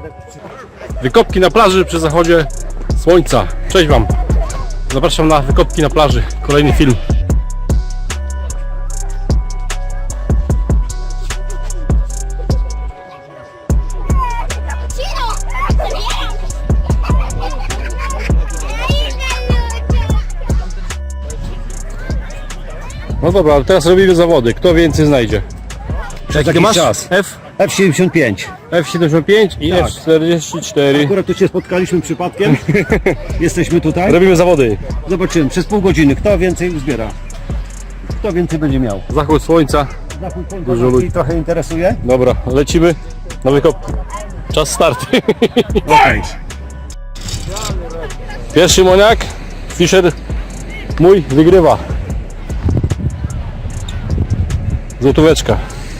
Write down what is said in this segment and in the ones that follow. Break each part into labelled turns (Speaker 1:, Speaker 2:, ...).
Speaker 1: Wykopki na plaży przy zachodzie słońca. Cześć Wam. Zapraszam na wykopki na plaży. Kolejny film. No dobra, ale teraz robimy zawody. Kto więcej znajdzie? Jaki masz?
Speaker 2: Czas.
Speaker 1: F?
Speaker 2: F75.
Speaker 1: F75 i
Speaker 2: Tak.
Speaker 1: F44.
Speaker 2: Akurat tu się spotkaliśmy przypadkiem. Jesteśmy tutaj.
Speaker 1: Robimy zawody.
Speaker 2: Zobaczymy przez pół godziny, kto więcej uzbiera. Kto więcej będzie miał.
Speaker 1: Zachód słońca.
Speaker 2: Zachód słońca
Speaker 1: Dużo
Speaker 2: nas
Speaker 1: ludzi.
Speaker 2: trochę interesuje.
Speaker 1: Dobra, lecimy na wykopki. Czas startu.
Speaker 2: Okej.
Speaker 1: Pierwszy moniak. Fischer mój wygrywa. Złotóweczka.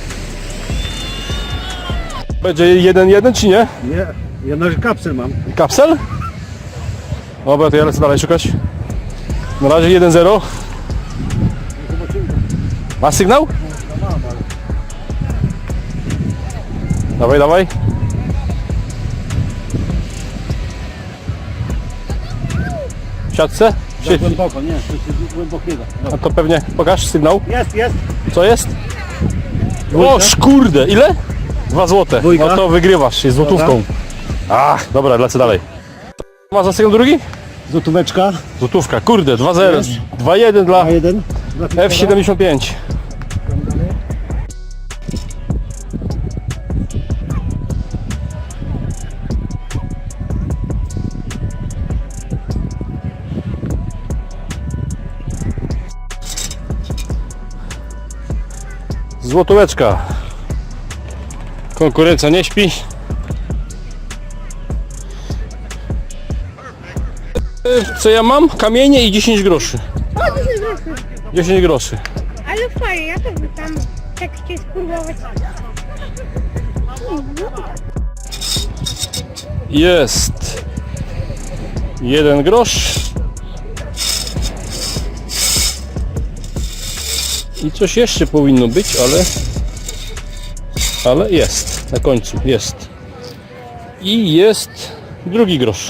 Speaker 1: Będzie 1-1 czy nie?
Speaker 2: Nie, ja na kapsel mam.
Speaker 1: Kapsel? Dobra, to ja lecę dalej szukać. Na razie 1-0. Masz sygnał? Dawaj, dawaj. W siatce?
Speaker 2: Za głęboko, nie, to się głęboko nie da.
Speaker 1: A to pewnie pokaż sygnał.
Speaker 2: Jest.
Speaker 1: Co jest? O, kurde, ile? 2 złote.
Speaker 2: Dwójka.
Speaker 1: No to wygrywasz, jest złotówką. Ach, dobra, lecę dalej. Ma za sygnał drugi?
Speaker 2: Złotóweczka.
Speaker 1: Złotówka, kurde, 2-0. 2-1 dla
Speaker 2: A1.
Speaker 1: F75. Złotóweczka. Konkurencja nie śpi. Co ja mam? Kamienie i 10 groszy.
Speaker 3: O, 10 groszy.
Speaker 1: 10 groszy.
Speaker 3: Ale fajnie, ja to by tam tak chcieć spróbować.
Speaker 1: Jest 1 grosz. I coś jeszcze powinno być, ale jest. Na końcu jest. I jest drugi grosz.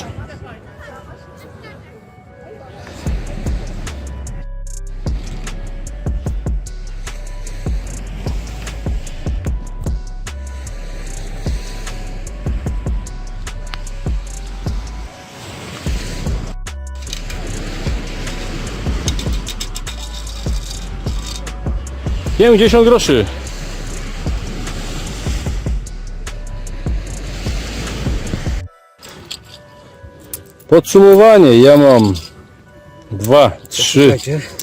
Speaker 1: $50 groszy. Podsumowanie, ja mam 2, 3,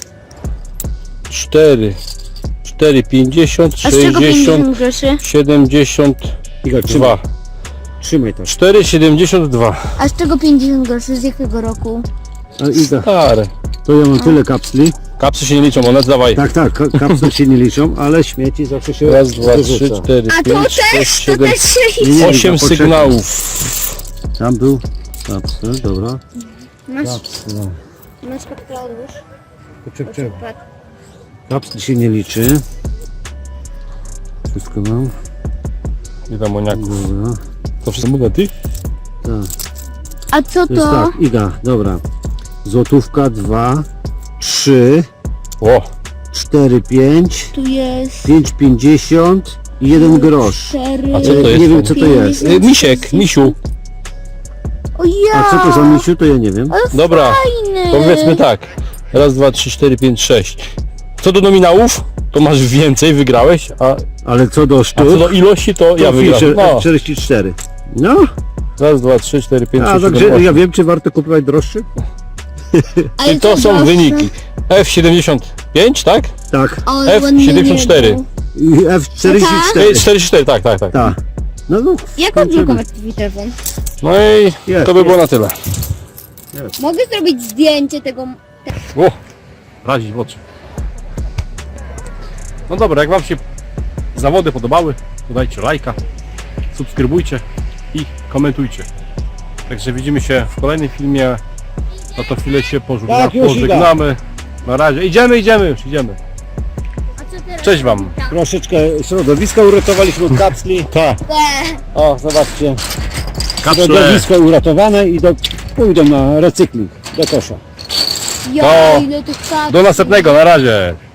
Speaker 1: 4, 50,
Speaker 3: A z czego
Speaker 1: 60,
Speaker 3: 50 groszy?
Speaker 1: 72.
Speaker 2: Trzymaj to.
Speaker 1: 4,72.
Speaker 3: A z czego 50 groszy? Z jakiego roku?
Speaker 2: Iga,
Speaker 1: Stare.
Speaker 2: to ja mam tyle kapsli.
Speaker 1: Kapsy się nie liczą, one dawaj.
Speaker 2: Tak, kapsle się nie liczą, ale śmieci zawsze się
Speaker 1: Raz, dwa, trzy,
Speaker 2: wyrzuca.
Speaker 1: 4,
Speaker 3: A to
Speaker 1: 5, 6,
Speaker 3: też,
Speaker 1: 7,
Speaker 3: się
Speaker 2: Nie,
Speaker 1: 8
Speaker 2: poczekaj.
Speaker 1: sygnałów.
Speaker 2: Tam był kapsel, dobra.
Speaker 3: Masz,
Speaker 2: Kapsel.
Speaker 3: masz papkę odłóż.
Speaker 2: Poczekaj. Kapsel się nie liczy. Wszystko mam.
Speaker 1: Nie tam moniaków.
Speaker 2: Dobra.
Speaker 1: To wszystko monety?
Speaker 2: Tak.
Speaker 3: A co
Speaker 2: To jest
Speaker 3: to?
Speaker 2: tak, Iga, dobra. Złotówka, 2, 3,
Speaker 1: O,
Speaker 2: 4, 5,
Speaker 3: Tu jest
Speaker 2: 5,50 i 1 grosz.
Speaker 3: 4.
Speaker 1: A co to jest?
Speaker 2: Nie wiem co to jest.
Speaker 1: misiek, misiu.
Speaker 3: O ja!
Speaker 2: A co to za misiu, to ja nie wiem.
Speaker 3: Ale
Speaker 1: Dobra,
Speaker 3: fajny!
Speaker 1: powiedzmy tak. Raz, dwa, trzy, 4, 5, 6. Co do nominałów, to masz więcej, wygrałeś,
Speaker 2: Ale co do
Speaker 1: a co
Speaker 2: sztuk,
Speaker 1: do ilości, to ja
Speaker 2: to
Speaker 1: wygrałem.
Speaker 2: Fischer
Speaker 1: No,
Speaker 2: F44. No,
Speaker 1: raz, dwa, trzy, 4, 5,
Speaker 2: a
Speaker 1: 6, 7,
Speaker 2: także
Speaker 1: 8.
Speaker 2: ja wiem, czy warto kupować droższy?
Speaker 3: Ale
Speaker 1: I to
Speaker 3: co
Speaker 1: są
Speaker 3: droższe?
Speaker 1: wyniki. F75, tak?
Speaker 2: Tak.
Speaker 3: Ale ładnie
Speaker 1: F74.
Speaker 3: nie był.
Speaker 2: I F44.
Speaker 1: 44, tak.
Speaker 2: Tak. No,
Speaker 3: Jak
Speaker 2: skończymy.
Speaker 3: odblokować twój telefon?
Speaker 1: No i
Speaker 2: Jest,
Speaker 1: to by było
Speaker 2: jest.
Speaker 1: na tyle.
Speaker 3: Mogę zrobić zdjęcie tego...
Speaker 1: O, razić w oczy. No dobra, jak Wam się zawody podobały, to dajcie lajka, subskrybujcie i komentujcie. Także widzimy się w kolejnym filmie. Na to chwilę się
Speaker 2: Tak, już
Speaker 1: pożegnamy. Na razie. Idziemy już, idziemy.
Speaker 3: A co teraz?
Speaker 1: Cześć Wam.
Speaker 2: Troszeczkę środowiska uratowaliśmy od kapsli.
Speaker 1: Tak.
Speaker 2: O, zobaczcie.
Speaker 1: Kapsle.
Speaker 2: Środowisko uratowane i pójdą na recykling do kosza.
Speaker 4: Ja, ile tych kapsli.
Speaker 1: Do następnego, na razie.